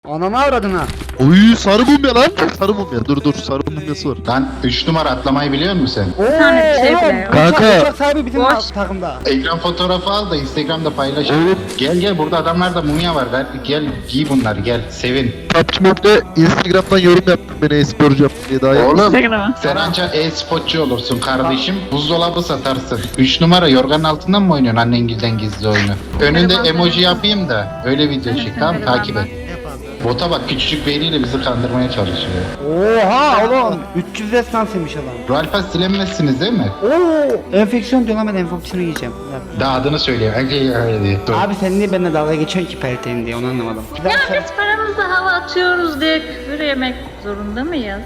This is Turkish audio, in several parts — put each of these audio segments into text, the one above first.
Ananı avradına. Oy sarı mumya lan. Sarı mumya. Dur sarı mumyası var. Lan 3 numara atlamayı biliyor musun sen? Oo, tane bir şey bile yok. Kanka. Uçak sahibi bizim Boş. takımda. Ekran fotoğrafı al da Instagram'da paylaş. Oğlum. Gel burada adamlarda mumya var. Gel giy bunları gel sevin. PUBG Mobile'de Instagram'dan yorum yaptım beni e-sporcu yaptım diye daha iyi. Oğlum Instagram'a. sen anca e-sportçu olursun kardeşim. Buzdolabı satarsın. 3 numara yorganın altından mı oynuyorsun annengilden gizli oyunu? Önünde emoji yapayım da öyle video çek tamam mı? Takip et. Bota bak küçücük beyniyle bizi kandırmaya çalışıyor. Oha oğlum. 300 destansıymış adam. Royal Pass silemezsiniz değil mi? Oo. Enfeksiyon diyor lan, ben enfeksiyonu yiyeceğim. Daha adını söyleyeyim. Öyle diye. Dur. Abi sen niye benimle dalga geçiyorsun ki pelteğin diye, onu anlamadım. Ya biz paramızı hava atıyoruz diye küfür yemek zorunda mıyız?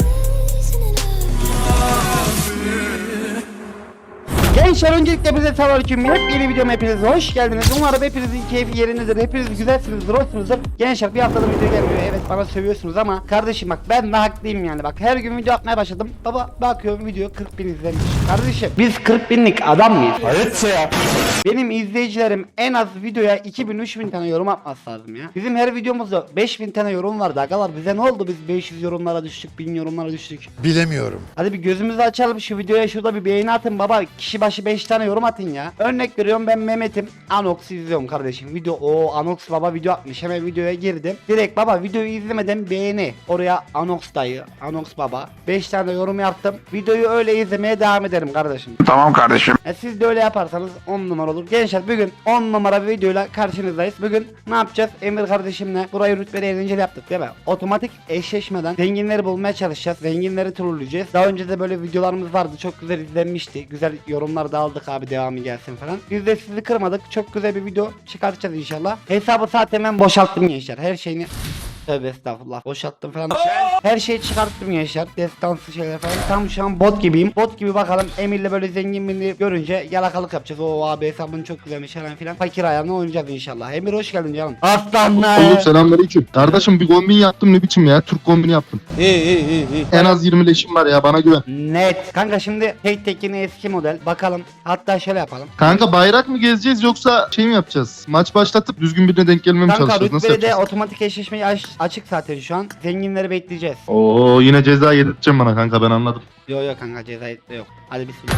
Gençler öncelikle hepinize selamünaleyküm. Yeni videoma hepiniz hoş geldiniz. Umarım hepinizin keyfi yerindedir. Hepiniz güzelsinizdir, hoşsunuzdur. Gençler bir haftadır video gelmiyor. Evet bana sövüyorsunuz ama kardeşim bak ben de haklıyım yani. Bak her gün video atmaya başladım. Baba bakıyorum video 40.000 izlenmiş. Kardeşim biz 40.000'lik adam mıyız? Evet ya. Benim izleyicilerim en az videoya 2000-3000 tane yorum atması lazım ya. Bizim her videomuzda 5000 tane yorum vardı agalar. Bize ne oldu, biz 500 yorumlara düştük, 1000 yorumlara düştük. Bilemiyorum. Hadi bir gözümüzü açalım, şu videoya şurada bir beğeni atın baba. Kişi başı 5 tane yorum atın ya. Örnek veriyorum, ben Mehmet'im. Anox'u izliyorum kardeşim. Video o Anox baba video atmış. Hemen videoya girdim. Direkt baba videoyu izlemeden beğeni. Oraya Anox dayı, Anox baba. 5 tane yorum yaptım. Videoyu öyle izlemeye devam ederim kardeşim. Tamam kardeşim. Siz de öyle yaparsanız 10 numara olur. Gençler bugün 10 numara bir videoyla karşınızdayız. Bugün ne yapacağız? Emir kardeşimle burayı rütbeli eğlenceli yaptık değil mi? Otomatik eşleşmeden zenginleri bulmaya çalışacağız. Zenginleri trolleyeceğiz. Daha önce de böyle videolarımız vardı. Çok güzel izlenmişti. Güzel yorumlar da aldık abi, devamı gelsin falan. Biz de sizi kırmadık. Çok güzel bir video çıkartacağız inşallah. Hesabı zaten ben boşalttım gençler. Her şeyini tövbe estağfurullah boşalttım falan. Her şeyi çıkarttım gençler. Destansı şeyler falan. Tam şu an bot gibiyim. Bot gibi bakalım. Emir'le böyle zengin birini görünce yalakalık yapacağız. O abi hesabın çok güzelmiş falan filan. Fakir ayağına oynayacağız inşallah. Emir hoş geldin canım. Aslanlar. Oğlum selamünaleyküm. Kardeşim bir kombin yaptım ne biçim ya? Türk kombini yaptım. İyi. En az 20 leşim var ya, bana güven. Net. Kanka şimdi tek tekini eski model. Bakalım. Hatta şöyle yapalım. Kanka bayrak mı gezeceğiz yoksa şey mi yapacağız? Maç başlatıp düzgün birine denk gelmeye mi Kanka çalışacağız? Nasıl rütbeli de yapacağız? otomatik eşleşmeyi açık zaten şu an. Zenginleri bekleyeceğiz. Oo yine ceza yedirteceğim bana kanka, ben anladım. Yok kanka, ceza yok. Hadi bismillah.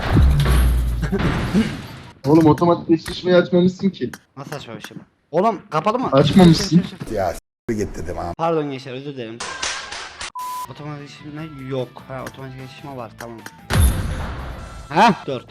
Oğlum otomatik eşleşmeyi açmamışsın ki. Nasıl açma bir şey bu? Oğlum kapalı mı? Açmamışsın. Ya s*** git dedim ha. Pardon gençler, özür dilerim. Otomatik eşleşme yok. Ha otomatik eşleşme var, tamam. Ha 4.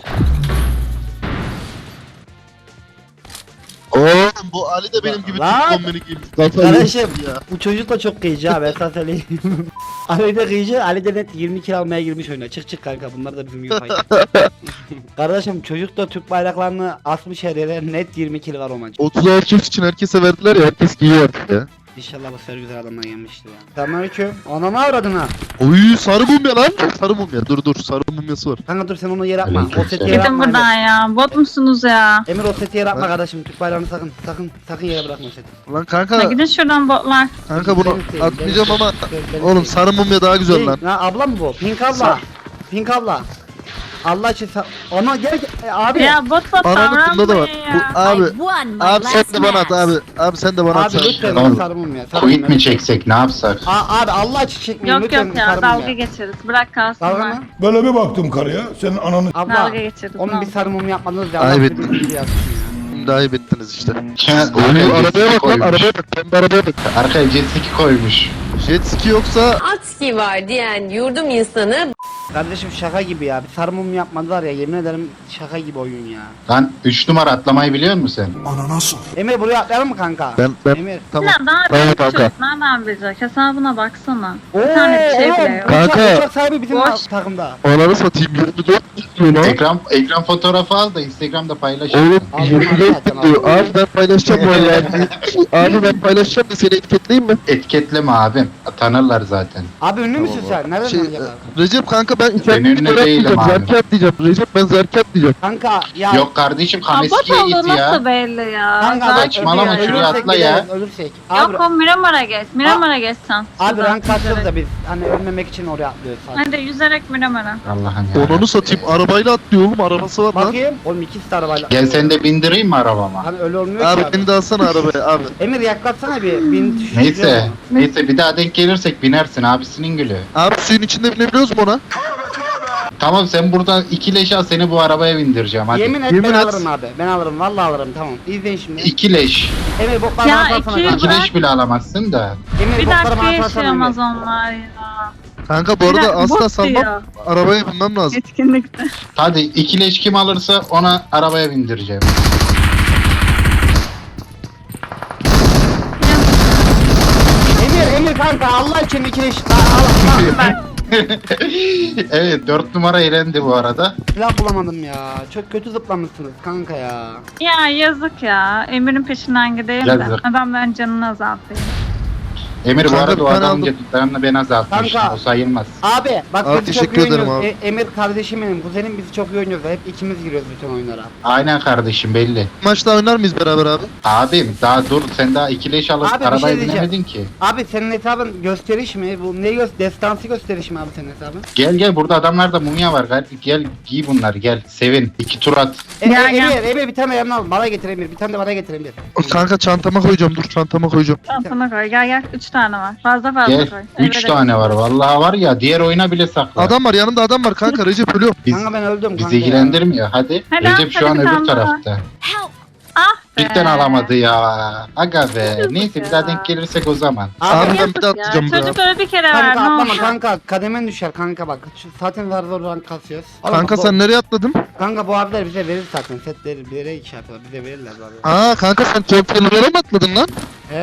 Oğlum bu Ali de benim gibi Lan! Türk kombini giymiş. Kafayı Kardeşim yemiş ya. bu çocuk da çok kıyıcı ha, ben sana söyleyeyim. Ali de kıyıcı, Ali de net 20 kilo almaya girmiş oyuna. Çık kanka, bunlar da bizim gibi fayda. Kardeşim çocuk da Türk bayraklarını asmış her yere, net 20 kilo var o maç. 30 erkek için herkese verdiler ya, herkes giyiyor artık ya. İnşallah bu sefer güzel adamlar gelmiştir ya. Selamünaleyküm. Ananı avradına. Oy sarı mumya lan. Sarı mumya. Dur sarı mumyası var. Kanka dur sen onu yere atma. O Aleykümselam. seti yere Gidin atma. buradan ya. Bot musunuz ya? Emir o seti yere atma kardeşim. Türk bayrağını sakın yere bırakma o seti. Lan Ya kanka gidin şuradan botlar. bunu Benim seveyim, atmayacağım benim ama seveyim, benim oğlum seveyim. sarı mumya daha güzel Şey, lan. Ya abla mı bu? Pink abla. Pink abla. Allah için Ana gel abi. Ya botla Ananın bunda da var. davranmayın ya. Bu, abi Abi sen de bana at abi. Abi sen de bana at. Abi lütfen Oğlum, sarı mum ya. Quit mi çeksek ne yapsak? Abi Allah için çekmeyin Yok lütfen yok ya, sarı mum dalga geçeriz. Bırak kalsınlar. Dalga mı? Böyle bir baktım karıya. Senin ananı Abla. Dalga geçeriz. Onun bir sarı mum yapmadınız ya. Ay, Allah evet. sizi bildiği yapsın ya. Şimdi ayıp ettiniz işte. Arkaya Oğlum jet arabaya ski bak lan, koymuş. arabaya bak. Pembe arabaya bak. Arkaya jet ski koymuş. Jet ski yoksa Atski var diyen yurdum insanı Kardeşim şaka gibi ya. Bir sarı mum yapmadılar ya. Yemin ederim şaka gibi oyun ya. Lan 3 numara atlamayı biliyor musun sen? Emir buraya atlayalım mı kanka? ben Emir. tamam. Ya daha Tamam büyük kanka. çocuk nereden bilecek? Hesabına baksana. Oo, Bir tane bir şey bile oğlum, yok. Kanka. Uçak sahibi bizim Boş. takımda. Ananı satayım 24 diyor lan. Ekran fotoğrafı al da Instagram'da paylaş. Oğlum Al, 24 zaten diyor. al. Abi ben paylaşacağım vallahi. Abi ben paylaşacağım da seni etiketleyeyim mi? Etiketleme abim. Tanırlar zaten. Abi ünlü müsün sen? Nereden Şey, tanıyacaklar? Recep kanka ben Senin içeride önüne değilim abi. Zerkat diyeceğim. Recep ben Zerkat diyeceğim. Kanka ya. Yok kardeşim Bot Kameski'ye git olduğu nasıl ya. belli ya? Kanka Zaten saçmalama, ya. şuraya atla ya. Ölürsek. Yok o Miramar'a geç. Miramar'a geç sen. Abi Şuradan rank atıyoruz yüzerek. da biz hani ölmemek için oraya atlıyoruz sadece. Hadi yüzerek Miramar'a. Allah'ım ya. Onu satayım. Arabayla atlıyor oğlum. Arabası var lan. Bakayım. Oğlum ikisi de arabayla. Gel sen de bindireyim mi arabama? Hani öyle olmuyor ki Abi abi. beni de alsana arabaya abi. Emir yaklatsana bir. Bin düşüyor Neyse. mu? Neyse bir daha denk gelirsek binersin abisinin gülü. Abi suyun içinde binebiliyoruz mu ona? Tamam sen burada iki leş al seni bu arabaya bindireceğim hadi. Yemin et Yemin ben et. alırım abi. Ben alırım. Vallahi alırım. Tamam. İzleyin şimdi. İki leş. Emir boklar Ya, bana atsana iki- kanka. İki leş bile alamazsın da. Emir Bir bokları dakika bana atsana yaşayamaz Emir. onlar ya. Kanka bu arada asla bot salmam. diyor. Arabaya binmem lazım. Etkinlikte. Hadi iki leş kim alırsa ona arabaya bindireceğim. Emir kanka Allah için iki eş. Allah. Evet 4 numara elendi bu arada. Silah bulamadım ya. Çok kötü zıplamışsınız kanka ya. Ya yazık ya. Emir'in peşinden gideyim de. Yazık. Adamların canını azaltayım. Emir bu Kanka, arada o ben adamın aldım. yaptıklarını ben azaltmıştım. Kanka. O sayılmaz. Abi bak Abi, biz çok teşekkür iyi ederim oynuyoruz. abi. Emir kardeşim benim, kuzenim biz çok iyi oynuyoruz. Hep ikimiz giriyoruz bütün oyunlara. Aynen kardeşim belli. Maçta oynar mıyız beraber abi? Abim daha dur sen daha iki leş alıp Abi, bir şey arabaya diyeceğim. binemedin ki. Abi senin hesabın gösteriş mi? Bu ne destansı gösteriş mi abi senin hesabın? Gel gel burada adamlarda mumya var gel, gel giy bunları gel sevin. İki tur at. Ya, ya. Emir bir tane yanına al. Bana getir Emir. Bir tane de bana getir Emir. Kanka çantama koyacağım. Dur çantama koyacağım. Çantana koy. Gel. 3 tane var. Fazla koy. Gel. 3 Evet, tane var vallahi var ya diğer oyuna bile sakla. Adam var yanımda adam var kanka Recep ölüyor. Biz, Kanka ben öldüm kanka. bizi ilgilendirmiyor hadi. Hadi, Recep şu hadi an bir öbür tane daha. tarafta. Ah be. Cidden alamadı ya. Aga be. Yazık Neyse bir ya. daha denk gelirsek o zaman. Abi ben Yazık bir de ya. atlayacağım buraya. Çocuk öyle bir kere ver. Kanka Ne atlama oldu? kanka. Kademen düşer kanka bak. Şu, zaten zar rank kasıyoruz. Oğlum, Kanka sen nereye atladın? Kanka bu abiler bize verir zaten. Setleri bilerek şey yapıyorlar. Bize verirler vallahi. Aa kanka sen Tokyo'lara mı atladın lan?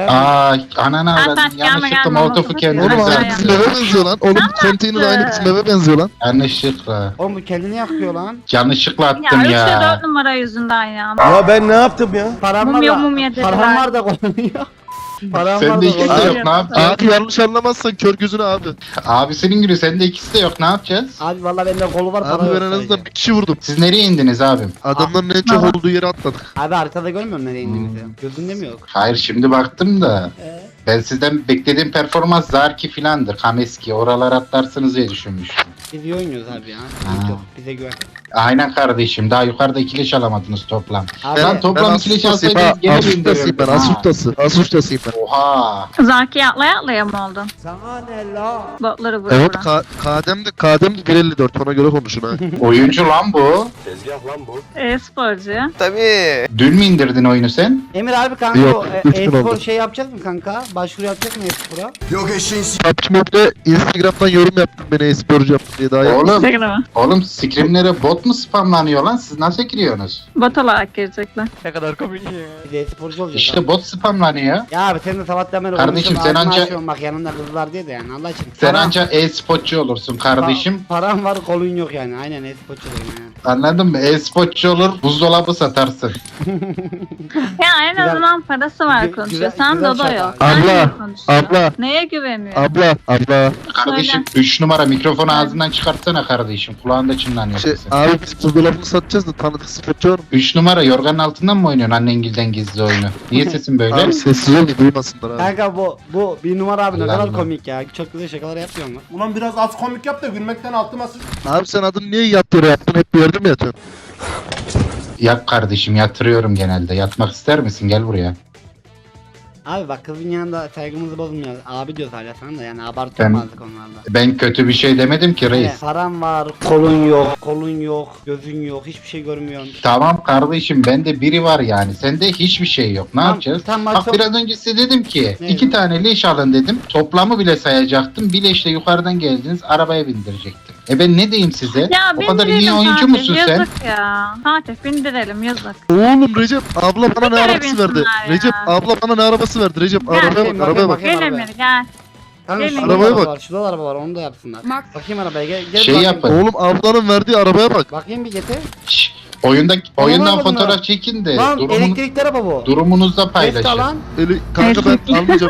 Aa ananı Ay, avradım. sen gelme, Yanlışlıkla gelme, molotofu molotofu kendimize Oğlum Güzel aynı ya. bizim eve benziyor lan. Oğlum konteyner aynı bizim eve benziyor lan. Yanlışlıkla. Oğlum bu kendini yakıyor lan. Yanlışlıkla Ya attım 3 ya. ve 4 numara yüzünden ya. Ya ben ne yaptım ya? Param Mumya, var da. mumya dediler. Param var da kullanıyor. Param Sende var da ikisi de kullanıyor. yok ne yapacağız? Abi yanlış anlamazsan kör gözünü abi. Abisinin günü sende ikisi de yok ne yapacağız? Abi vallahi bende kolu var para Abi yok ben en azından sadece. bir kişi vurdum. Siz nereye indiniz abim? Adamların en çok olduğu yere atladık. Abi arkada görmüyorum nereye indiğimizi. Gözünde mi yok? Hayır şimdi baktım da. Ben sizden beklediğim performans Zarki filandır. Kameski oralar atlarsınız diye düşünmüştüm. Biz iyi oynuyoruz abi ya. Ha. Yok, bize güven. Aynen kardeşim daha yukarıda ikileş alamadınız toplam. Abi Lan toplam Ben ikileş asustasıyım ha. alsaydınız gene Asustasıyım ben. bindirirdim. Asustasıyım. Asustasıyım ben. Oha. Zaki atlaya mı oldun? Sana ne la? Botları vura Evet vura. kademde 1.54 ona göre konuşun ha. Oyuncu lan bu. E-sporcu. Dün mü indirdin oyunu sen? Emir abi kanka Yok, o üç gün e-spor oldu. şey yapacağız mı kanka? Başvuru yapacak mı e-spora? PUBG Mobile'de Instagram'dan yorum yaptım beni e-sporcu yaptım diye daha yaptım. Oğlum, Instagram'a. oğlum scrimlere bot mu spamlanıyor lan? Siz nasıl giriyorsunuz? Bot olarak girecekler. Biz e-sporcu olacağız İşte abi. bot spamlanıyor. Ya abi sen de sabahtan beri Kardeşim, oynuyorsun, sen ağzını anca- açıyorsun bak yanında kızlar diye de yani Allah için. Sen anca e-spotçu olursun kardeşim. Param var kolun yok yani aynen e-sporcu olayım yani. Anladın mı? E-spotçu olur, buzdolabı satarsın. Ya en Güzel- azından parası var güzel- konuşuyor. Sen güzel Dodo şaka. yok. Abla, Sen niye konuşuyorsun? abla. Neye güveniyor? Abla. Kardeşim 3 numara mikrofonu ağzından çıkartsana kardeşim. Kulağında çınlanıyor Şey, sesin. abi biz buzdolabını satacağız da tanıdık sporcu var mı? 3 numara yorganın altından mı oynuyorsun annengilden gizli oyunu? Niye sesin böyle? Abi sessiz ol duymasınlar abi. Kanka bu bir numara abi ne Allah kadar Allah. komik ya. Çok güzel şakalar yapıyor mu? Ulan biraz az komik yap da gülmekten altıma sıç. Abi sen adını niye yat yere yaptın? Hep bir yerde mi yatıyorsun? Yap kardeşim yatırıyorum genelde. Yatmak ister misin? Gel buraya. Abi bak kızın yanında saygımızı bozmuyor. Abi diyoruz hala sana da yani abartılmazdık onlarla. Ben kötü bir şey demedim ki reis. Evet, param var, kolun yok, gözün yok, hiçbir şey görmüyorsun. Tamam kardeşim bende biri var yani. Sende hiçbir şey yok. Ne Tamam, yapacağız? tamam, Bak çok- biraz önce size dedim ki Ne 2 dedin? tane leş alın dedim. Toplamı bile sayacaktım. Bir leşle yukarıdan geldiniz arabaya bindirecektim. Ben ne diyeyim size? Ya O kadar iyi bindirelim oyuncu Fatih, musun sen? yazık ya. Fatih bindirelim yazık. Oğlum Recep abla bana ne kere arabası verdi? binsinler ya. Recep abla bana ne arabası verdi? Recep Gel, arabaya bakayım, bak arabaya bak. bakayım. Gel arabaya. Emir gel. Kanka Gelin. şurada Arabaya araba bak. var, şurada araba var onu da yapsınlar. Bakayım arabaya gel Şey bakayım. yapın. Oğlum ablanın verdiği arabaya bak. Bakayım bir getir. Şşş, oyundan Anlamadım fotoğraf ben. çekin de Lan elektrikli araba bu. durumunuzda Test paylaşın. alan. Kanka ben almayacağım.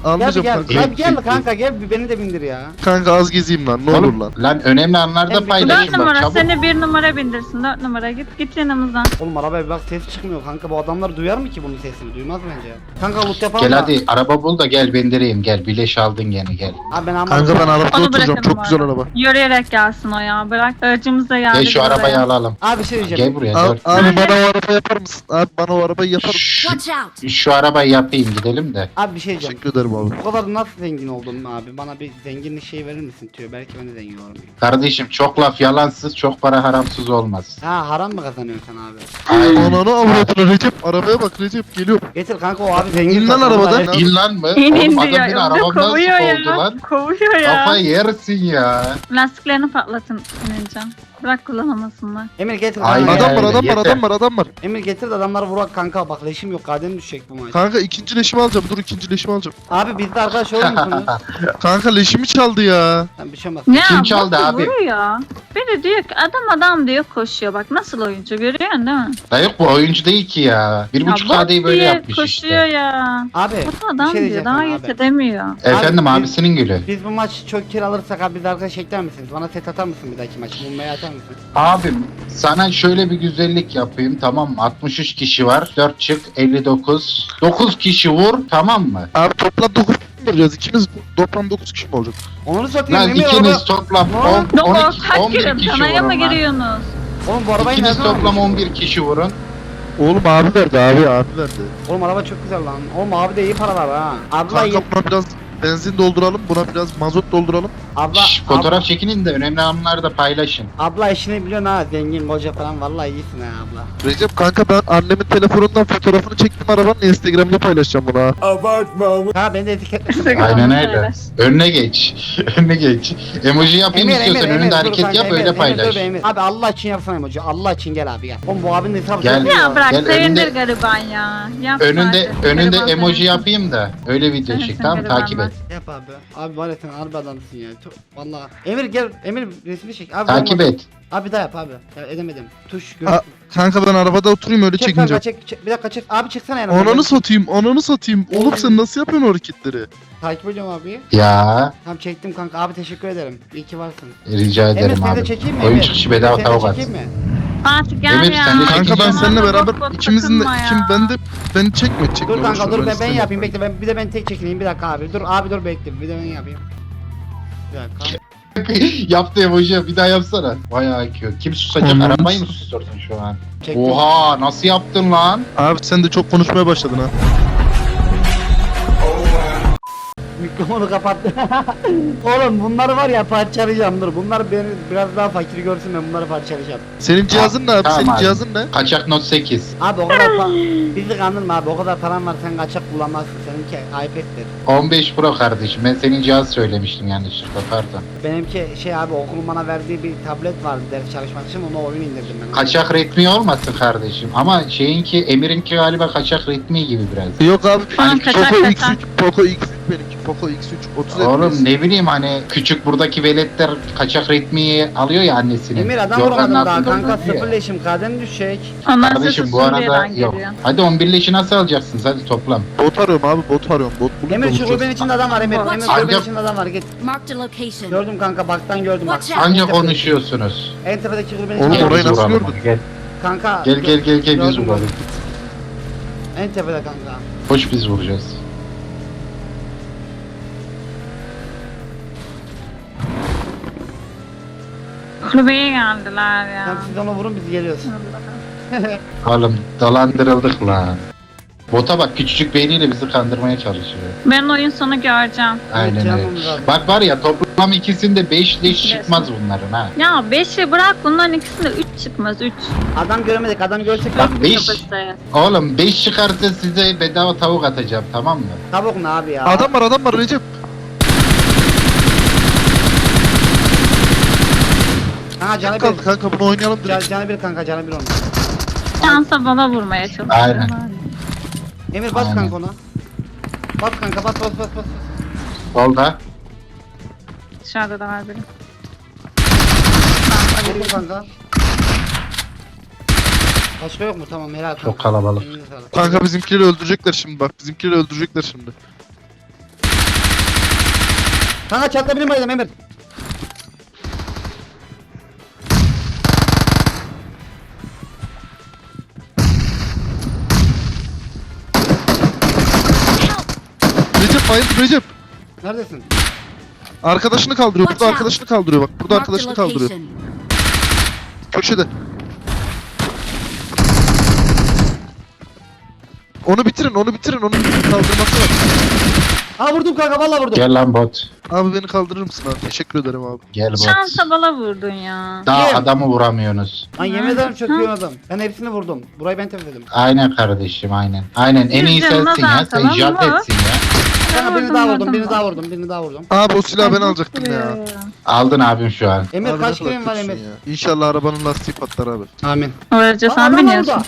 Almayacağım gel. kanka. Gel gel kanka gel bir beni de bindir ya. Kanka az gezeyim lan ne olur Oğlum, lan. lan önemli anlarda Hem- paylaşın 4 bak numara çabuk. seni 1 numara bindirsin. 4 numara git yanımızdan. Oğlum arabaya bir bak ses çıkmıyor kanka bu adamlar duyar mı ki bunun sesini? Duymaz bence. Kanka loot yapalım Gel da. hadi araba bul da gel bindireyim gel. Bileş aldın gene gel. Abi ben Kanka ben arabada Onu oturacağım bırakın çok bu güzel arada. araba. Yürüyerek gelsin o ya. Bırak aracımız da geldi. Gel şu biz arabayı oraya. alalım. Abi bir şey diyeceğim. Gel buraya. Abi, dört. abi bana o araba yapar mısın? Abi bana o arabayı yapar mısın? Watch out. Şu arabayı yapayım gidelim de. Abi bir şey diyeceğim. Teşekkür ederim abi. Bu kadar nasıl zengin oldun abi? Bana bir zenginlik şey verir misin diyor. Belki ben de zengin olurum. Kardeşim çok laf yalansız çok para haramsız olmaz. Ha haram mı kazanıyorsun sen abi? Aynen. Ananı avradını Recep arabaya bak Recep geliyor. Getir kanka o abi zengin. İn lan zaten. arabadan. Vallahi- İn lan mı? İn Oğlum adam diyor. beni Önde arabamdan kovuyor sıkıldı ya. lan. Kovuyor ya. Kafayı yersin ya. Lastiklerini patlatın Emircan. Bırak kullanamasınlar. Emir getir Aynen. kanka. Adam var öyle, adam var yeter. adam var adam var. Emir getir de adamları vurak kanka bak leşim yok kadem düşecek bu maç. Kanka ikinci leşimi alacağım dur ikinci leşimi alacağım. Abi biz de arkadaş olur musunuz? Kanka leşimi çaldı ya. Sen bir şey olmaz. Ya Kim çaldı botu abi? vuruyor. Biri diyor ki adam diyor koşuyor. Bak nasıl oyuncu görüyorsun değil mi? Da yok bu oyuncu değil ki ya. 1.5 bot KD'yi böyle diye yapmış koşuyor işte. ya. Abi Botu bir adam şey diyor diyeceğim daha sana iyi abi. edemiyor. Efendim Abi, abisinin gülü. Biz bu maç çok kill alırsak abi biz arkadaş ekler misiniz? Bana set atar mısın bir dahaki maç? Mumbayı atar mısın? Abim sana şöyle bir güzellik yapayım tamam mı? 63 kişi var. 4 çık 59. 9 kişi vur tamam mı? Abi toplam 9 kişi mi olacağız? İkimiz toplam 9 kişi mi olacak? Onu satayım Lan Emir ikiniz araba. toplam Lan, 10, Yok 12, kaç 11 girin kişi tanaya mı vurun lan. giriyorsunuz? Oğlum bu arabayı İkiniz nereden toplam aldın? 11 kişi vurun. Oğlum abi verdi abi verdi. Oğlum araba çok güzel lan. Oğlum abi de iyi paralar ha. Abla Kanka buna biraz benzin dolduralım buna biraz mazot dolduralım. abla Şş, fotoğraf çekinin de önemli anları da paylaşın. abla işini biliyorsun ha. Zengin koca falan vallahi iyisin ha abla. Recep kanka ben annemin telefonundan fotoğrafını çektim arabanın Instagram'da paylaşacağım bunu ha. Ha beni de etiketle. Aynen öyle. Önüne geç. Önüne geç. Emoji yapayım istiyorsan önünde dur hareket kanka, yap Emir, öyle Emir, paylaş. dur be Emir. Abi Allah için yapsana emoji. Allah için gel abi gel. Oğlum bu abinin hesabı Gel. çok iyi Ya bırak Gel, sevindir önünde- gariban ya. Yapma Önünde artık, önünde gariban emoji sevinsin. yapayım da öyle video Sevinsin çek tamam gariban takip et. Yap abi. Abi var ya sen harbi adamsın ya. Vallahi. Emir gel. Emir resmi çek. Abi Takip olmadı. et. Abi daha yap abi. Ya, edemedim. Tuş gör. A- Kanka ben arabada oturayım öyle Çek çekince. kanka çek. Bir dakika çek. Abi çeksene yanımdan. Ananı satayım ananı satayım. Oğlum sen nasıl yapıyorsun o hareketleri? Takip ediyorum abi. Ya Tamam çektim kanka. Abi teşekkür ederim. İyi ki varsın. rica Emir ederim seni de abi. çekeyim mi? Oyun Emir? çıkışı bedava Emir, seni de tavuk at. çekeyim mi? Fatih gel Emir, ya. sen de Kanka ben çekeceğim. seninle Bana beraber bok bok ikimizin de takılma kim ya. beni çekme Dur boş kanka ver, dur ben istemiyorum. yapayım bekle bir de ben tek çekileyim bir dakika abi dur abi dur bekle bir de ben yapayım. Bir dakika. Yaptı emoji bir daha yapsana. Vay IQ. Kim susacak? Anladım. Arabayı mı sustuyorsun şu an? Çektim. Oha nasıl yaptın lan? Abi sen de çok konuşmaya başladın ha. Mikrofonu kapattı. Oğlum bunları var ya parçalayacağım dur. Bunlar beni biraz daha fakir görsün ben bunları parçalayacağım. Senin cihazın ne abi? Tamam Senin abi. cihazın ne? Kaçak not 8. Abi o kadar bizi kandırma abi o kadar paran var sen kaçak kullanmazsın seninki iPad'dir. 15 Pro kardeşim. Ben senin cihaz söylemiştim yanlışlıkla pardon. Benimki şey abi okulun bana verdiği bir tablet vardı ders çalışmak için onu oyun indirdim ben. Kaçak ritmi olmasın kardeşim. Ama şeyinki Emir'inki galiba kaçak ritmi gibi biraz. Yok abi. Tamam, kaçak, Poco kaçak. X3 Poco X3 benimki. Poco X3 30 Oğlum FPS. ne bileyim hani küçük buradaki veletler kaçak ritmiyi alıyor ya annesinin. Emir adam Yorgan vurmadım daha altında kanka duruyor. sıfır leşim kadem düşecek. Ondan Kardeşim sesi bu arada Suriye'den yok. geliyor. Hadi 11 leşi nasıl alacaksınız hadi toplam. Bot arıyorum abi bot arıyorum. Bot bulup Emir şu bulacağız. kulübenin içinde adam var Emir. Emir Ancak- kulübenin içinde adam var git. Marked a location. Gördüm kanka baktan gördüm bak. Watch out. Anca En tepedeki- konuşuyorsunuz. En tepedeki kulübenin Oğlum, içinde Gel adam orayı biz nasıl vuralım gördün? onu, Gel kanka. gel gel gel, gel biz Gördüm vuralım. En tepede kanka. Hoş biz vuracağız. Kulübeye geldiler ya. Tamam siz onu vurun biz geliyoruz. Oğlum dolandırıldık lan. Bota bak küçücük beyniyle bizi kandırmaya çalışıyor. Ben oyun sonu göreceğim. Aynen öyle. Canımız abi. Bak var ya toplam ikisinde 5 leş çıkmaz bunların ha. Ya 5'i bırak bunların ikisinde 3 çıkmaz 3. Adam göremedik adam görsek Bak lan. 5. Oğlum 5 çıkarsa size bedava tavuk atacağım tamam mı? Tavuk ne abi ya? Adam var Recep. Kanka canı Kaldı bir. kanka bunu oynayalım direkt. Canı bir kanka canı bir onu. Şansa bana vurmaya çalışıyor. Aynen. Emir bas Aynen. kanka ona. Bas kanka bas. Solda. Dışarıda da var biri. Vurdum kanka. Başka yok mu? Tamam helal kanka. Çok kalabalık. Elinize sağlık. Kanka bizimkileri öldürecekler şimdi bak. Bizimkileri öldürecekler şimdi. Kanka çatla benim baydım Emir. Recep bayıldı Recep. Neredesin? Arkadaşını kaldırıyor. Watch Burada out. arkadaşını kaldırıyor bak. Burada Marked a arkadaşını kaldırıyor. location. Köşede. Onu bitirin, onu bitirin, onu bitirin. Kaldırması var. Ha vurdum kanka vallahi vurdum. Gel lan bot. Abi beni kaldırır mısın abi? Teşekkür ederim abi. Gel bot. Şansa bala vurdun ya. Daha Kim? adamı vuramıyorsunuz. Lan yemin ederim çöküyor adam. Ben hepsini vurdum. Burayı ben temizledim. Aynen kardeşim aynen. Aynen en iyi Yüz canına sensin ya. Sen zaten jalt ama- etsin ya. Kanka birini Vurdum, daha vurdum, vurdum birini ben. daha vurdum, birini daha vurdum. Abi o silahı ben alacaktım ya. Aldın abim şu an. Emir Abi kaç ne kadar kilim var kötüsün Emir? ya. İnşallah arabanın lastiği patlar abi. Amin. Öylece Aa, sen adam biniyorsun. orada.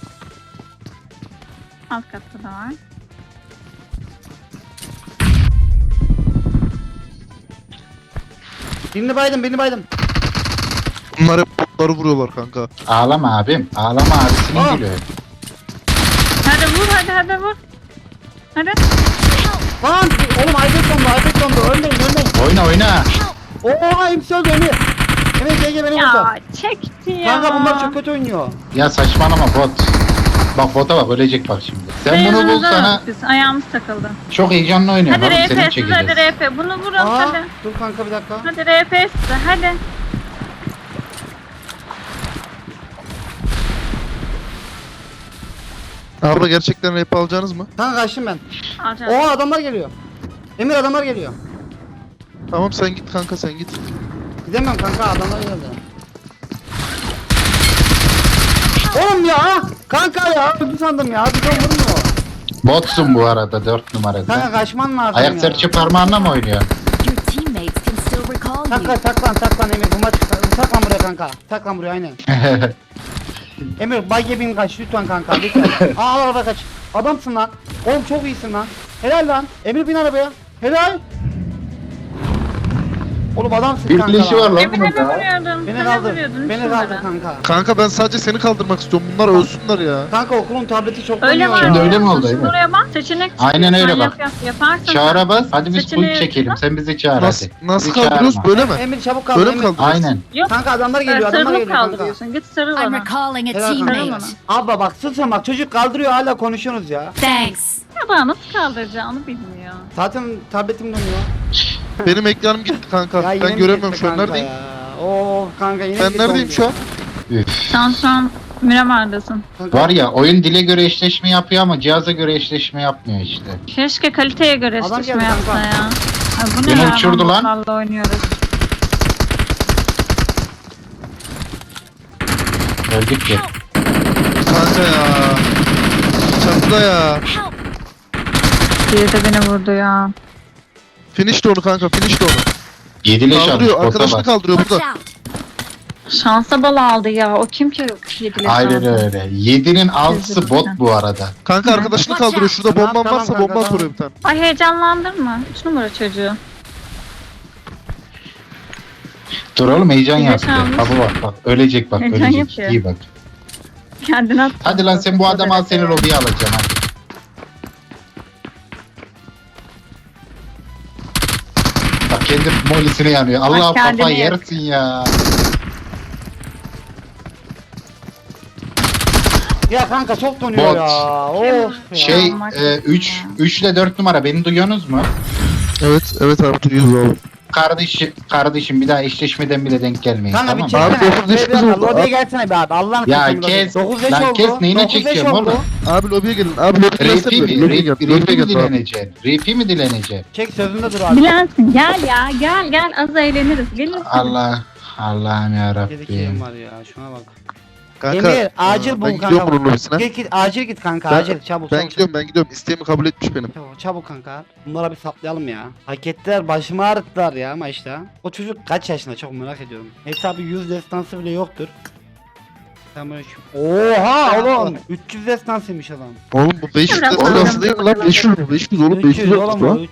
Alt katta da var. Birini baydım, birini baydım. Bunlar hep botları vuruyorlar kanka. Ağlama abim. Ağlama abisinin Aa. gülü. Hadi vur hadi vur. Hadi. Lan oğlum iPad dondu, ölmeyin. Oyna oyna. Oo hepsi öldü Emir. Emir gel beni vurdu. Ya çekti ya. Kanka bunlar çok kötü oynuyor. Ya saçmalama bot. Bak bota bak ölecek bak şimdi. Sen bunu Beyazınızı bulsana aldık biz, ayağımız takıldı. çok heyecanlı oynuyorsun Hadi oğlum seni RP siz çekeceğiz. hadi RP. Bunu vurun Aa, hadi. dur kanka bir dakika. Hadi RP size hadi. Abla gerçekten rap alacaksınız mı? Kanka kaçtım ben. Alacağız. Oo adamlar geliyor. Emir adamlar geliyor. Tamam sen git kanka sen git. Gidemem kanka adamlar geldi. Oğlum ya! Kanka ya! Öldü sandım ya. Bir ton vurmuyor. Botsun bu arada 4 numarada. Kanka kaçman lazım Ayak ya. serçe parmağınla mı oynuyorsun? Your teammates can still recall you. Saklan Emir. Bu maç saklan buraya kanka. Saklan buraya aynen. Emir bay bin kaç lütfen kanka lütfen. Aa araba kaç. Adamsın lan. Oğlum çok iyisin lan. Helal lan. Emir bin arabaya. Helal. Oğlum adamsın Bir kanka. leşi var lan Emine mi bunun da. vuruyordun? Beni Beni kaldır. vuruyordun. Beni üç kaldır numara. kanka. Kanka ben sadece seni kaldırmak istiyorum. Bunlar ölsünler ya. Kanka okulun tableti çok Öyle oynuyor var. ya. Şimdi öyle mi oldu, Şimdi değil mi? oraya bak seçenek çıkıyor. Aynen öyle Sen bak. Yaparsın. Çağıra bas. Hadi biz Seçeneği full çekelim. yap. Sen bizi çağır Nasıl, hadi. nasıl Bizi kaldırıyoruz çağırma. böyle mi? Emir çabuk kaldır. Böyle mi Emir. kaldırıyoruz? Aynen. Yok. Kanka adamlar geliyor adamlar Sarılıp geliyor kanka. kaldırıyorsun. Git sarıl I'm ona. recalling a Helal kanka. teammate. Abla bak susun bak çocuk kaldırıyor hala konuşuyorsunuz ya. Thanks. Ya daha nasıl kaldıracağını bilmiyor. Zaten tabletim dönüyor. Benim ekranım gitti kanka. Ya yine Ben mi göremiyorum gitti şu an kanka neredeyim? ya? Oo kanka yine Ben gitti neredeyim oldu. şu an? Üf. Sen şu an Miramar'dasın. Kanka, Var ya oyun dile göre eşleşme yapıyor ama cihaza göre eşleşme yapmıyor işte. Keşke kaliteye göre Adam eşleşme geldi yapsa kanka. ya. Ay bu ne Beni ya? uçurdu lan. Botlarla oynuyoruz. Öldük ki. Kanka ya. Çatıda ya. Biri de beni vurdu ya. Finish de onu kanka finish de onu. 7 leş almış Kaldırıyor bota arkadaşını bak. kaldırıyor Watch burada. out. Şansa bala aldı ya. O kim ki yediler Aynen şansa? öyle. 7'nin 6'sı bot bu arada. Kanka arkadaşını Watch kaldırıyor. out. Şurada Tamam, bomban tamam varsa kanka, bomba tamam. soruyor bir tane. Ay heyecanlandırma. 3 numara çocuğu. Dur oğlum heyecan Bir de yapıyor. çalmış. Baba bak ölecek bak Heyecan ölecek. yapıyor. İyi bak. Kendine at. Hadi lan sen bu adamı al seni lobiye alacağım hadi. Bak kendi molisine yanıyor. Allah kendini kafa yak. yersin ya. Ya kanka çok donuyor Bot. ya. Of ya. Şey Yapmak 3 ile 4 numara beni duyuyorsunuz mu? Evet abi duyuyoruz abi. Kardeşim bir daha eşleşmeden bile denk gelmeyin Kanka bir tamam mı? çeksene. Abi, dokuz yaş Bir dakika, oldu. lobiye Abi. gelsene be abi. Allah'ını Ya seversen kes. lobiye. 9 yaş Lan oldu. kes, neyine 9 yaş çekiyorum oldu. oğlum? Abi lobiye gelin. Abi lobiye Repi gelsene. mi? Lobiye gel. Repi Lobiye mi gel abi. dileneceksin? Repi mi dileneceksin? Çek sözünde dur abi. Bilensin. Gel ya. Gel. Az eğleniriz. Gelin. Allah'ım ya 7 kilim Rabbim. var ya şuna bak. Kanka. Emir acil bul ben kanka. gidiyorum bunun lobisine. Git acil git kanka Ben- acil çabuk Ben çabuk. gidiyorum. İsteğimi kabul etmiş benim. Çabuk kanka. Bunlara bir saplayalım ya. Hak ettiler başımı ağrıttılar ya maçta. O çocuk kaç yaşında çok merak ediyorum. Hesabı 100 destansı bile yoktur. Tamam. Oha oğlum. 300 destansıymış adam. Oğlum bu 500 Biraz destinası değil mi lan? 500 mü? 500 oğlum 500 300 olmuş oğlum lan.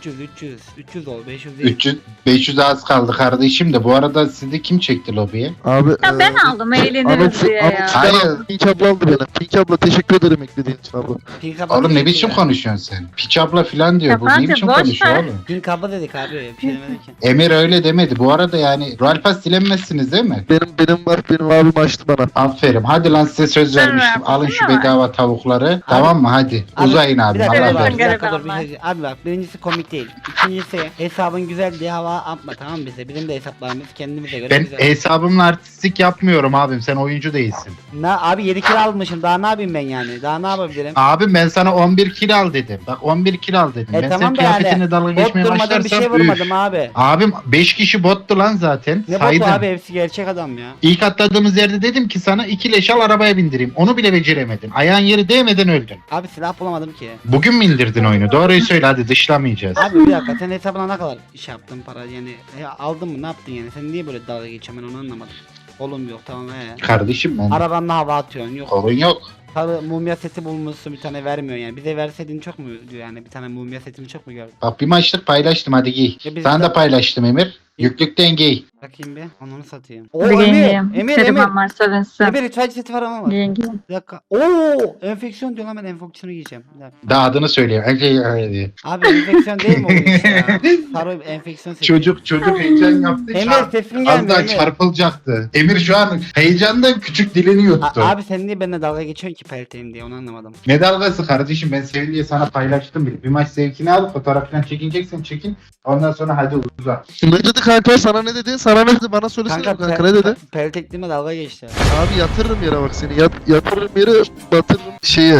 300 ol 500 değil. 500 az kaldı kardeşim de. Bu arada sizi kim çekti lobiye? Abi Ya ben aldım eğleniriz diye ya. Hayır. Pink abla aldı beni. Pink abla teşekkür ederim eklediğin için abla. Pink abla Oğlum ne dedik biçim ya. konuşuyorsun sen? Piç abla filan diyor. Bu ne Yabancı, biçim boş konuşuyor ver. oğlum? Pink abla dedik abi. Bir şey demedik ki. Emir öyle demedi. Bu arada yani Royal Pass dilenmezsiniz değil mi? Benim var benim abim açtı bana. Aferin. Hadi lan size söz Ben vermiştim. vermiştim Alın şu ama. bedava tavukları. Tamam mı? Hadi. Abi, Uzayın abi. Bir dakika, Allah bir razı dakika, olsun. bir dakika, dur, bir Garibanlar. şey- Abi bak birincisi komik değil. İkincisi hesabın güzel diye hava atma tamam mı bize. Bizim de hesaplarımız kendimize göre Ben güzel. hesabımla artistik yapmıyorum abim. Sen oyuncu değilsin. Abi 7 kilo almışım daha ne yapayım ben yani. Daha ne yapabilirim? Abim ben sana 11 kilo al dedim. Bak 11 kilo al dedim. ben senin Tamam da kıyafetine yani. dalga Bot geçmeye durmadan bir başlarsam şey üf. vurmadım abi. Abim 5 kişi bottu lan zaten. Ne Saydım. botu abi hepsi gerçek adam ya. İlk atladığımız yerde dedim ki sana 2 leş al arabaya bindireyim. Onu bile beceremedin. Ayağın yeri değmeden öldün. Abi silah bulamadım ki. Bugün mü indirdin oyunu? Doğruyu söyle hadi dışlamayacağız. Abi bir dakika sen hesabına ne kadar iş yaptın para yani aldın mı ne yaptın yani sen niye böyle dalga geçiyorsun ben onu anlamadım. Oğlum yok tamam Kardeşim ben. Arabanla hava atıyorsun yok. Sorun yok. Sarı mumya seti bulmuşsun bir tane vermiyor yani. Bize verseydin çok mu diyor yani bir tane mumya setini çok mu gördün? Bak bir maçlık paylaştım hadi giy. Ya biz Sana de- da paylaştım Emir. Yüklükten giy. Bakayım bir onu satayım. Hadi giyeyim. Emir. Garibanlar sevinsin. Emir ritüel seti var ama var. Giyin giyin. Bir dakika. Oo enfeksiyon diyor lan ben enfeksiyonu giyeceğim. Bir dakika. Daha adını söylüyor. Diye. Abi enfeksiyon değil mi o iş ya? Sarı enfeksiyon seti. Çocuk heyecan yaptı. Emir sesin Az gelmiyor daha Emir. çarpılacaktı. Emir şu an heyecandan küçük dilini yuttu. Abi sen niye benimle dalga geçiyorsun ki pelteyim diye onu anlamadım. Ne dalgası kardeşim ben sevin diye sana paylaştım. Bir maç zevkini al fotoğrafından çekineceksen çekin. Ondan sonra hadi uza. Ne dedi kanka sana ne dedi? Sana ne dedi? Bana söylesene kanka, ne dedi? Peltekliğime dalga geçti. Abi yatırırım yere bak seni. Yatırırım yere batırırım şeye.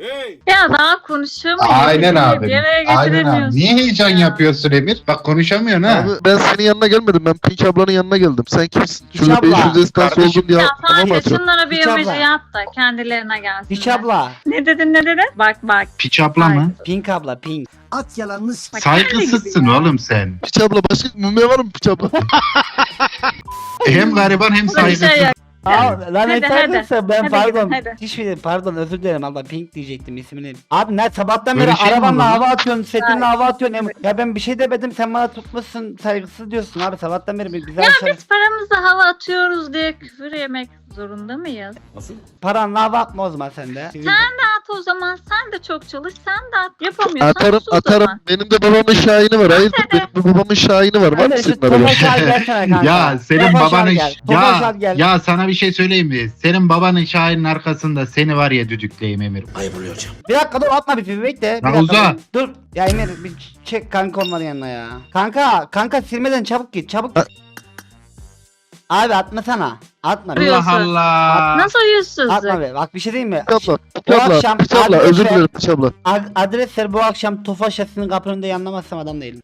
Ya daha konuşamıyor. Aynen abi. Bir araya Aynen abi. getiremiyorsun. Niye heyecan Ya. yapıyorsun Emir? Bak konuşamıyorsun ha. Abi ben senin yanına gelmedim. Ben Pink ablanın yanına geldim. Sen kimsin? Hiç Şurada abla. 500 destans Kardeşim. oldum diye Ya hava mı sadece atıyorsun? şunlara bir Hiç abla. emoji at da kendilerine gelsin. Piç abla. Ne dedin ne dedin? Bak. Piç abla mı? Pink abla pink. At yalanını Bak, Saygısızsın kendi gibi ya. oğlum sen. Piç abla başka mumya var mı piç abla? Hem gariban hem Bu da bir şey saygısız. yok. Aa, lan Hadi, sen ben Hadi pardon. gidin, hadi. Hiçbir pardon özür dilerim abla pink diyecektim ismini. Abi ne sabahtan Böyle beri şey mi arabanla olur lan? hava atıyorsun, setinle hava atıyorsun. Ya ben bir şey demedim sen bana tutmuşsun saygısız diyorsun abi sabahtan beri bir güzel şey. Biz paramızla hava atıyoruz diye küfür yemek zorunda mıyız? Paranla hava atma o zaman sen de. At o zaman sen de çok çalış sen de at. Yapamıyorsan Atarım sus o atarım. zaman. Benim de babamın şahini var. Hayırdır benim de babamın şahini var. Var mı Hadi şu senin arabada? Tofaş al gelsene kanka. Ya senin Tofaş al babanın gel. Tofaş al gel. ya sana bir şey söyleyeyim mi? Senin babanın şahinin arkasında seni var ya düdükleyeyim Emir. Bir dakika dur atma bir bekle. Bir Lan dakika, uza. Dur. Ya Emir bir çek kanka onların yanına ya. Kanka silmeden çabuk git çabuk. Abi atmasana. Atma. Dur. Allah Allah. Nasıl yüzsüzlük? Atma be. Bak bir şey diyeyim mi? Piç abla. Bu Piç abla. akşam Piç abla. adres Özür ver. dilerim piç abla. Adres ver bu akşam Tofaş şasinin kapının yanlamazsam adam değilim.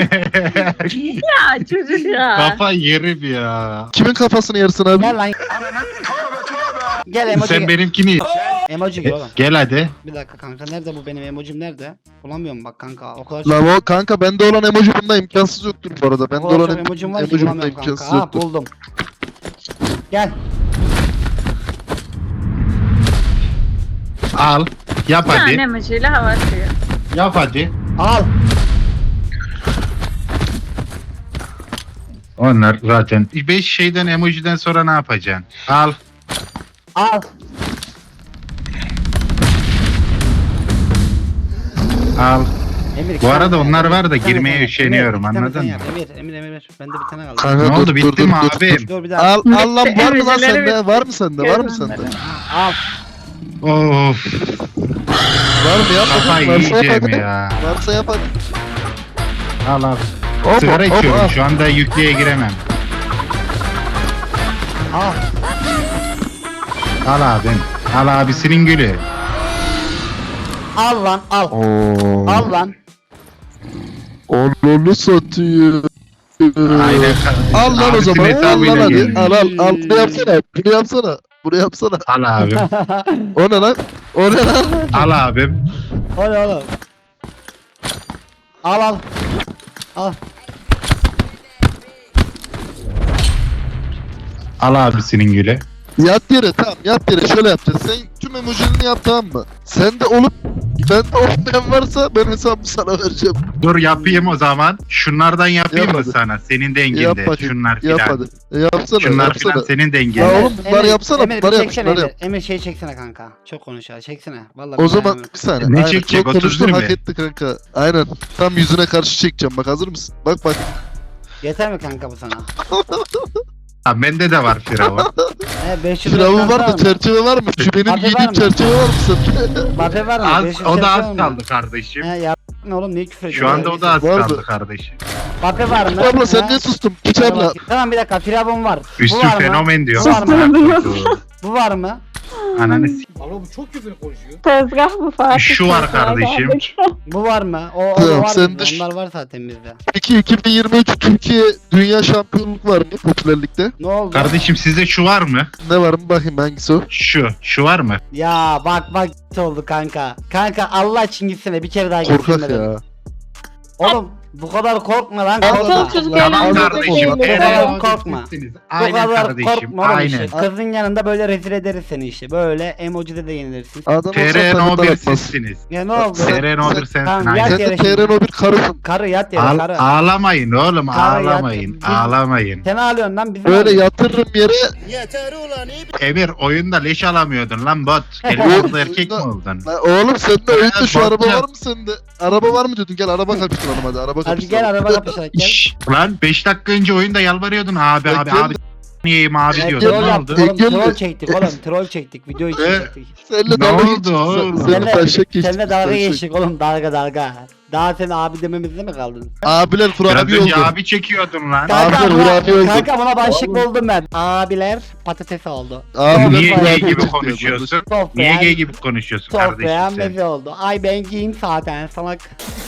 Ya çocuk ya. Kafa yerim ya. Kimin kafasını yersin abi? Gel lan. Gel emoji. Sen benimkini Emoji gel oğlum. gel hadi. Bir dakika kanka nerede bu benim emojim nerede? Bulamıyorum bak kanka o kadar Lan o kanka bende olan emoji bunda imkansız yoktur bu arada. Bende o kadar olan çok emojim var ki emoji bunda bulamıyorum kanka. imkansız Ha yoktur. buldum. Gel. Al. Yap Bir tane hadi. emojiyle hava atıyor. Yap hadi. Al. Onlar zaten 5 şeyden emojiden sonra ne yapacaksın? Al. Al. Al. Emir, iki Bu arada tane onlar yap. var da Bir tane girmeye sen yap. üşeniyorum, Emir, iki tane anladın sen mı? yap. Emir. Bende bir tane kaldı. Kanka Ne dur, oldu dur, bitti dur, mi dur, abim? dur. Dur bir daha. Al al lan var mı lan Emojileri sende? bitti. Var mı sende? Var mı sende? Al. Of. Var mı yap? Kafayı Varsa yap yiyeceğim hadi. ya. Varsa yap hadi. Al al. Hop, Sigara hop, içiyorum hop. şu anda yüklüğe giremem. Al. Al abim. Al abisinin gülü. Al lan al. Oo. Al lan. Onu satıyor. Aynen. Al lan o Abisinin zaman. Al hesabıyla lan hadi. gelmiş. Al. Bunu yapsana. Bunu yapsana. Bunu yapsana. Al abim. O ne lan? O ne lan? Al abim. Hadi oğlum. Al. Al. Al abisinin gülü. Yat yere tamam yat yere şöyle yapacağız. Sen tüm emojilerini yap tamam mı? Sen de olup bende olmayan varsa ben hesabı sana vereceğim. Dur yapayım o zaman. Şunlardan yapayım Yap mı hadi. sana? Senin Yap denginde. bakayım. Şunlar Yap filan. hadi. Yapsana Şunlar yapsana. filan senin Ya denginde. oğlum bunları yapsana Emir, bunları bir yap çeksene şunları Emir. yap. Emir şey çeksene kanka. Çok konuşuyor. Çeksene. Vallahi O ben zaman dayanamıyorum. bir saniye. Ne Aynen, çekecek, çok konuştun 31 hak mi? etti kanka. Aynen. Tam yüzüne karşı çekeceğim bak hazır mısın? Bak bak. Yeter mi kanka bu sana? Ha, bende de var Firavun. 500 Firavun reklam var mı? Çerçeve var mı? Şu benim Bafe var giydiğim mı? çerçeve var mı sende? Bafe var mı? Az, 500 o da reklam var az mı? kaldı kardeşim. He ya ne oğlum niye küfür ediyorsun? Şu anda o da az Var mı? kaldı kardeşim. Bafe var mı? Abla sen He? niye sustun? Piç Bana abla. bak. Tamam bir dakika Firavun var. Bu Üstün var mı? fenomen diyor. Bu var mı? Susturabiliyorsun. Bu var mı? Ananı s- Tezgah bu Fatih. Şu var tezgaha kardeşim. geldik. Bu var mı? O Tamam, var sen bizde. düş. Onlar var zaten bizde. Peki 2023 Türkiye Dünya Şampiyonluk var mı popülerlikte? Ne oldu? Kardeşim sizde şu var mı? Ne var mı bakayım hangisi o? Şu var mı? Ya bak oldu kanka. Kanka Allah için gitsene bir kere daha Korkak gitsinler. ya. Oğlum bu kadar korkma lan Al, korkma. al, Çocuk al, Tamam al, eğlenceli kardeşim. değil. Bu kadar Eren korkma. sizsiniz. Bu Aynen kadar kardeşim. korkma oğlum Aynen. işte. Kızın yanında böyle rezil ederiz seni işte. Böyle emojide de yenilirsin. Adam olsa TRN takımdan 11 atmaz. sizsiniz. Ya ne oldu? TRN 11 sensin. Tamam, Aynen. yat Sen de yere şimdi. TRN o bir karısın. Karı yat yere karı. Ağlamayın oğlum Karı yat- ağlamayın. Biz- Ağlamayın. Sen ağlıyorsun lan bizim Böyle ağlıyoruz. yatırırım yere. Emir oyunda leş alamıyordun lan bot. Gelip burada erkek mi oldun? Lan oğlum sende oyunda şu bak araba ya. var mı sende? Araba var mı diyordun gel araba kapıştıralım hadi araba Hadi kapıştıralım. gel araba kapışarak gel. Şşş, lan 5 dakika önce oyunda yalvarıyordun abi Ya abi gel- abi niyeyim abi Ya diyordun Troll ne yaptık oldu? oğlum Gel- troll çektik oğlum troll çektik video için Ee, çektik. Seninle Ne dalga oldu geçtik. oğlum? Seninle taşak geçtik. Seninle dalga taşak. geçtik oğlum dalga. Daha sen abi dememizde mi kaldın? Abiler Biraz kurabiye önce oldu. abi çekiyordun lan. Kanka Abiler buna, hurafe oldu. kanka buna başlık buldum ben. Abiler patates oldu. Abiler Niye kurabiye gay gibi çıktı. konuşuyorsun? Sofrayan- Niye gay gibi konuşuyorsun Sofrayan kardeşim meze oldu. Ay ben giyeyim zaten salak.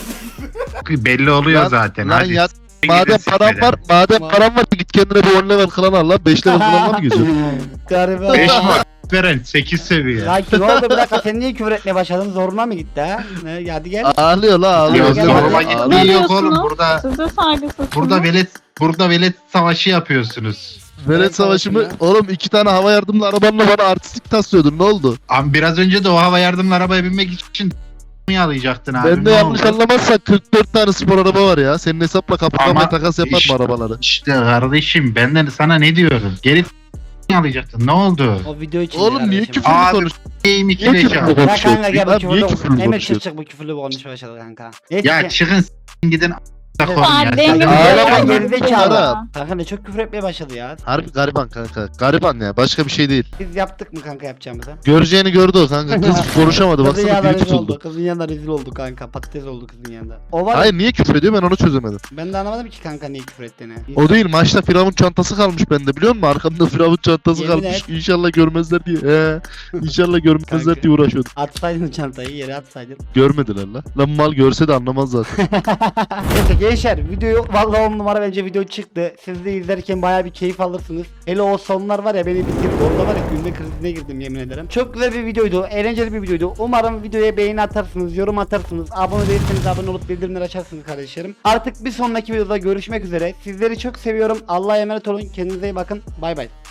sen? Belli oluyor Lan- zaten. Lan Hadi. yat. Gidin Madem param sikmeden. var, param var git kendine bir 10 level klan al lan. 5 level klanla mı geziyorsun? Gariban. 5 var. Veren 8 seviye. Ya ki ne oldu bir dakika sen niye küfür etmeye başladın zoruna mı gitti ha? Ne, hadi gel. Ağlıyor la ağlıyor. Yok gel, zoruma gel. gittiği Ne yok oğlum diyorsunuz? burada. Siz de saygısızsınız. Burada velet savaşı yapıyorsunuz. Velet savaşı mı? Oğlum 2 tane hava yardımlı arabanla bana artistik taslıyordun ne oldu? Ama biraz önce de o hava yardımlı arabaya binmek için mi alacaktın abi? Ben de ne yanlış oldu? anlamazsan 44 tane spor araba var ya. Senin hesapla kapıdan Ama ben takas yapar işte- mı arabaları? İşte kardeşim ben de sana ne diyorum? Geri alacaktın ne oldu? O video için. Oğlum niye küfürlü Abi, konuş? Game 2 Niye leş küfürlü al. Ya konuşuyorsun? kanka gel bu Abi niye küfürlü. küfürlü Emir konuşuyorsun? çık bu küfürlü konuşmaya başladı kanka. Neyse Ya ki- çıkın gidin a**a koyun ya. Saat Sen de- dengemi Ağlama Kanka lan. gerizekalı. Ara. Kanka ne çok küfür etmeye başladı ya. Harbi gariban kanka. Gariban ya başka bir şey değil. Biz yaptık mı kanka yapacağımızı? Göreceğini gördü o kanka. Kız konuşamadı Kızın baksana yanında dili rezil oldu. tutuldu. Kızın yanında rezil oldu kanka. Patates oldu kızın yanında. O var. Hayır niye küfür ediyor ben onu çözemedim. Ben de anlamadım ki kanka niye küfür ettiğini. O değil maçta Firavun çantası kalmış bende biliyor musun? Arkamda Firavun çantası Yemin kalmış. et. İnşallah görmezler diye. İnşallah görmezler Kanka. diye uğraşıyordum. Atsaydın çantayı yere atsaydın. Görmediler lan. Lan mal görse de anlamaz zaten. Neyse gençler videoyu vallahi 10 numara bence video çıktı. Siz de izlerken bayağı bir keyif alırsınız. Hele o sonlar var ya beni bitirdi. Orada var ya gülme krizine girdim yemin ederim. Çok güzel bir videoydu. Eğlenceli bir videoydu. Umarım videoya beğeni atarsınız, yorum atarsınız. Abone değilseniz abone olup bildirimleri açarsınız kardeşlerim. Artık bir sonraki videoda görüşmek üzere. Sizleri çok seviyorum. Allah'a emanet olun. Kendinize iyi bakın. Bay bay.